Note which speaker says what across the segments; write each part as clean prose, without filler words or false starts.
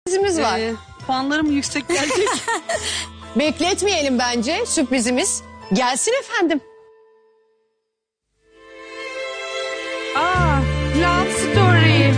Speaker 1: Sürprizimiz var.
Speaker 2: Puanlarım yüksek gelecek.
Speaker 1: Bekletmeyelim bence sürprizimiz. Gelsin efendim.
Speaker 2: Love Story.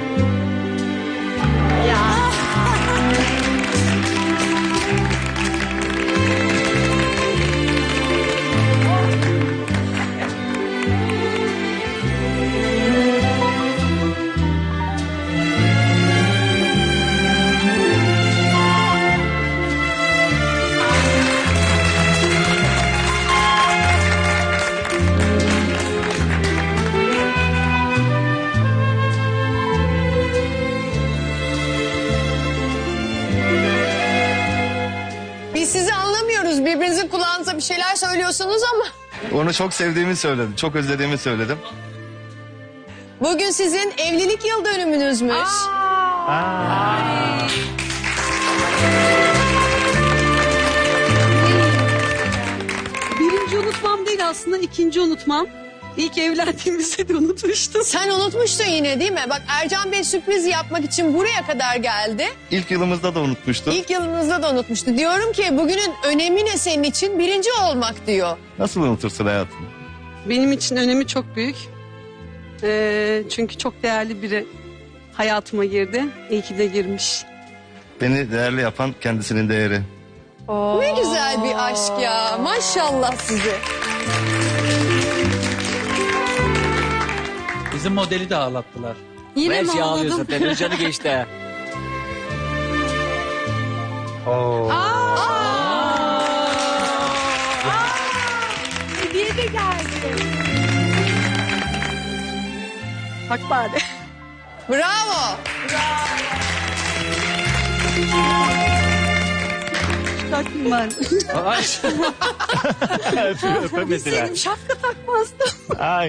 Speaker 1: Biz sizi anlamıyoruz. Birbirinizin kulağınıza bir şeyler söylüyorsunuz ama.
Speaker 3: Onu çok sevdiğimi söyledim. Çok özlediğimi söyledim.
Speaker 1: Bugün sizin evlilik yıl dönümünüzmüş.
Speaker 2: Birinci unutmam değil aslında, ikinci unutmam. İlk evlendiğimizde de unutmuştum.
Speaker 1: Sen unutmuştun yine değil mi? Bak Ercan Bey sürpriz yapmak için buraya kadar geldi.
Speaker 3: İlk yılımızda da unutmuştu.
Speaker 1: İlk yılınızda da unutmuştu. Diyorum ki bugünün önemi ne senin için? Birinci olmak diyor.
Speaker 3: Nasıl unutursun hayatım?
Speaker 2: Benim için önemi çok büyük. Çünkü çok değerli biri hayatıma girdi. İyi ki de girmiş.
Speaker 3: Beni değerli yapan kendisinin değeri.
Speaker 1: Ne güzel bir aşk ya. Maşallah size.
Speaker 4: Bizim modeli de ağlattılar.
Speaker 2: Yine mi
Speaker 5: Messi ağlıyor
Speaker 2: ağladım?
Speaker 5: zaten. Özcan'ı geçti.
Speaker 2: Hediye de geldi. Bak bari.
Speaker 1: Bravo.
Speaker 2: Çıkartayım ben.
Speaker 5: Ay. Öpemediler.
Speaker 2: Senin şapka takmazdım.
Speaker 5: Ay.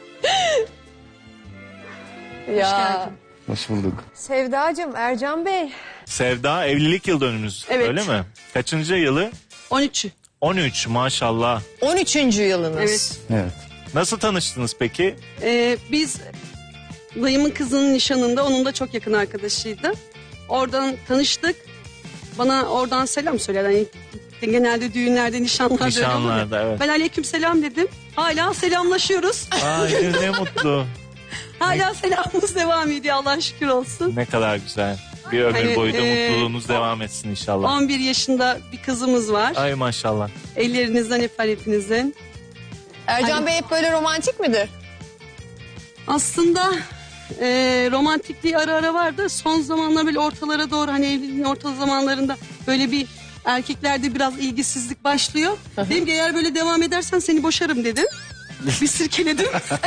Speaker 1: Ya.
Speaker 3: Hoş bulduk.
Speaker 1: Sevdacığım, Ercan Bey.
Speaker 6: Sevda evlilik yıl dönümünüz
Speaker 2: Evet.
Speaker 6: öyle mi? Kaçıncı yılı?
Speaker 2: 13'ü.
Speaker 6: 13 maşallah.
Speaker 1: 13. yılınız.
Speaker 2: Evet.
Speaker 3: Evet.
Speaker 6: Nasıl tanıştınız peki?
Speaker 2: Biz dayımın kızının nişanında, onun da çok yakın arkadaşıydı. Oradan tanıştık. Bana oradan selam söyler. Hani genelde düğünlerde, nişanlarda öyle olur ya.
Speaker 6: Nişanlarda evet.
Speaker 2: Ben aleyküm selam dedim. Hala selamlaşıyoruz.
Speaker 6: Ay ne mutlu.
Speaker 2: Hala selamımız devam ediyor, Allah'a şükür olsun.
Speaker 6: Ne kadar güzel. Bir ömür
Speaker 2: Hani,
Speaker 6: boyu da mutluluğunuz devam etsin inşallah.
Speaker 2: 11 yaşında bir kızımız var.
Speaker 6: Ay maşallah.
Speaker 2: Ellerinizden öper hepinizin.
Speaker 1: Ercan Bey hep böyle romantik midir?
Speaker 2: Aslında romantikliği ara ara vardı. Son zamanlar böyle ortalara doğru, hani evliliğin orta zamanlarında böyle bir erkeklerde biraz ilgisizlik başlıyor. Dedim ki eğer böyle devam edersen seni boşarım dedim. Bir sirkeledim.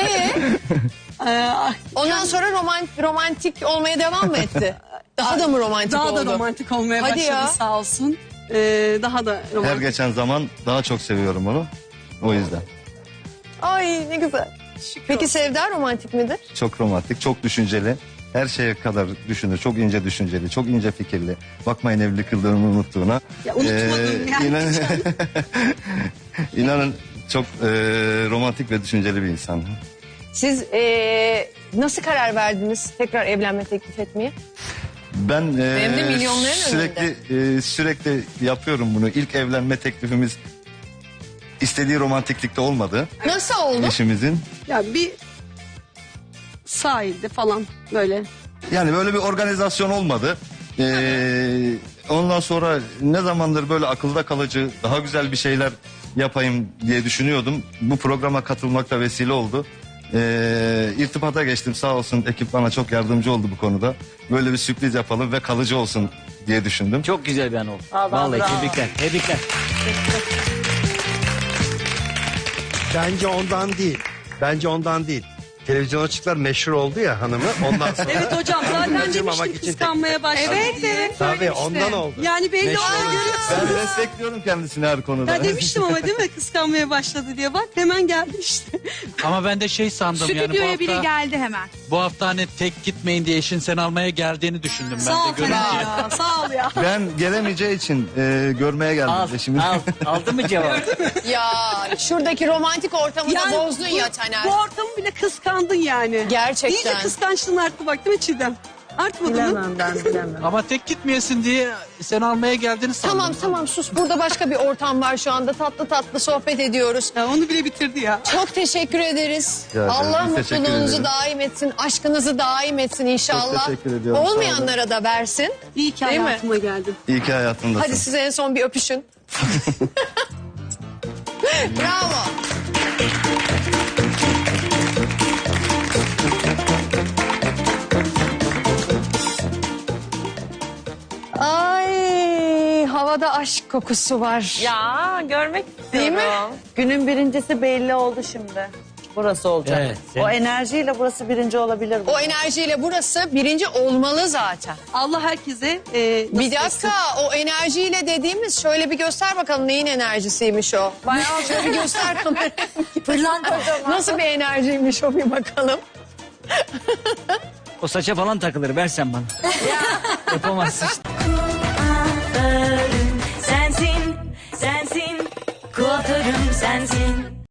Speaker 1: Ondan sonra romantik olmaya devam mı etti? Daha da mı romantik
Speaker 2: Daha
Speaker 1: oldu?
Speaker 2: da romantik olmaya
Speaker 1: Hadi
Speaker 2: başladı
Speaker 1: ya.
Speaker 2: sağ olsun. Daha da
Speaker 3: Her
Speaker 2: romantik.
Speaker 3: geçen zaman daha çok seviyorum onu. O yüzden.
Speaker 1: Ay ne güzel. Peki Sevda romantik midir?
Speaker 3: Çok romantik, çok düşünceli. Her şeye kadar düşünür. Çok ince düşünceli, çok ince fikirli. Bakmayın evlilik yıldönümünü unuttuğuna.
Speaker 2: Ya unutmadım yani.
Speaker 3: İnanın çok romantik ve düşünceli bir insan.
Speaker 1: Siz nasıl karar verdiniz tekrar evlenme teklif etmeye?
Speaker 3: Ben
Speaker 1: Hem de milyonların
Speaker 3: sürekli yapıyorum bunu. İlk evlenme teklifimiz istediği romantiklikte olmadı
Speaker 1: Nasıl oldu?
Speaker 3: eşimizin.
Speaker 2: Ya bir sahilde falan böyle.
Speaker 3: Yani böyle bir organizasyon olmadı. Ondan sonra ne zamandır böyle akılda kalıcı daha güzel bir şeyler yapayım diye düşünüyordum. Bu programa katılmak da vesile oldu. İrtibata geçtim, sağ olsun ekip bana çok yardımcı oldu bu konuda. Böyle bir sürpriz yapalım ve kalıcı olsun diye düşündüm.
Speaker 5: Çok güzel bir an oldu. Vallahi tebrikler. Tebrikler.
Speaker 7: Bence ondan değil. Televizyon açıklar meşhur oldu ya hanımı. Ondan sonra.
Speaker 2: Evet hocam, zaten
Speaker 7: Kaçırmamak
Speaker 2: demiştim
Speaker 7: için
Speaker 2: kıskanmaya başladı diye.
Speaker 7: Tabii ondan oldu.
Speaker 2: Yani belli
Speaker 7: Meşhur
Speaker 2: oldu.
Speaker 7: oldu.
Speaker 3: Ben destekliyorum kendisini her konuda.
Speaker 2: Ya demiştim ama değil mi, kıskanmaya başladı diye, bak hemen geldi işte.
Speaker 4: Ama ben de şey sandım yani
Speaker 8: Stüdyoya biri geldi hemen.
Speaker 4: bu hafta hani tek gitmeyin diye eşin seni almaya geldiğini düşündüm ben
Speaker 2: Sağ
Speaker 4: de
Speaker 2: ol
Speaker 4: görünce.
Speaker 2: ya, sağ ol ya.
Speaker 3: Ben gelemeyeceği için görmeye geldim
Speaker 5: Al,
Speaker 3: eşimi.
Speaker 5: al. Aldın mı cevap?
Speaker 1: Ya şuradaki romantik ortamı da bozdun ya Taner.
Speaker 2: Bu ortamı bile kıskandın yani.
Speaker 1: Gerçekten.
Speaker 2: İyice kıskançlığın arttı bak, değil mi Çiğdem? Artmadı mı?
Speaker 8: Bilemem ben bilemem.
Speaker 4: Ama tek gitmeyesin diye seni almaya geldiğini sandım.
Speaker 1: Tamam sus. Burada başka bir ortam var şu anda. Tatlı tatlı sohbet ediyoruz.
Speaker 2: Ya onu bile bitirdi ya.
Speaker 1: Çok teşekkür ederiz.
Speaker 3: Rica ederim.
Speaker 1: Allah
Speaker 3: Biz teşekkür
Speaker 1: mutluluğunuzu
Speaker 3: ederiz.
Speaker 1: daim etsin. Aşkınızı daim etsin inşallah.
Speaker 3: teşekkür ediyorum, sağ
Speaker 1: Olmayanlara da versin.
Speaker 2: İyi ki
Speaker 1: Değil mi?
Speaker 2: hayatıma geldin.
Speaker 3: İyi ki hayatındasın.
Speaker 1: Hadi size en son bir öpüşün. Bravo. Ay, havada aşk kokusu var.
Speaker 8: Ya görmek
Speaker 1: Değil mi?
Speaker 8: istiyorum. Günün birincisi belli oldu şimdi. Burası olacak.
Speaker 5: Evet,
Speaker 8: O enerjiyle burası birinci olabilir.
Speaker 1: O enerjiyle burası birinci olmalı zaten.
Speaker 2: Allah herkese
Speaker 1: Bir
Speaker 2: nasip etsin.
Speaker 1: dakika, o enerjiyle dediğimiz şöyle bir göster bakalım neyin enerjisiymiş o. Bayağı şöyle bir göster kameraya. Nasıl bir enerjiymiş o bir bakalım.
Speaker 5: O saça falan takılır versen bana. Yapamazsın işte.
Speaker 9: Sensin, sensin, kuaförüm sensin.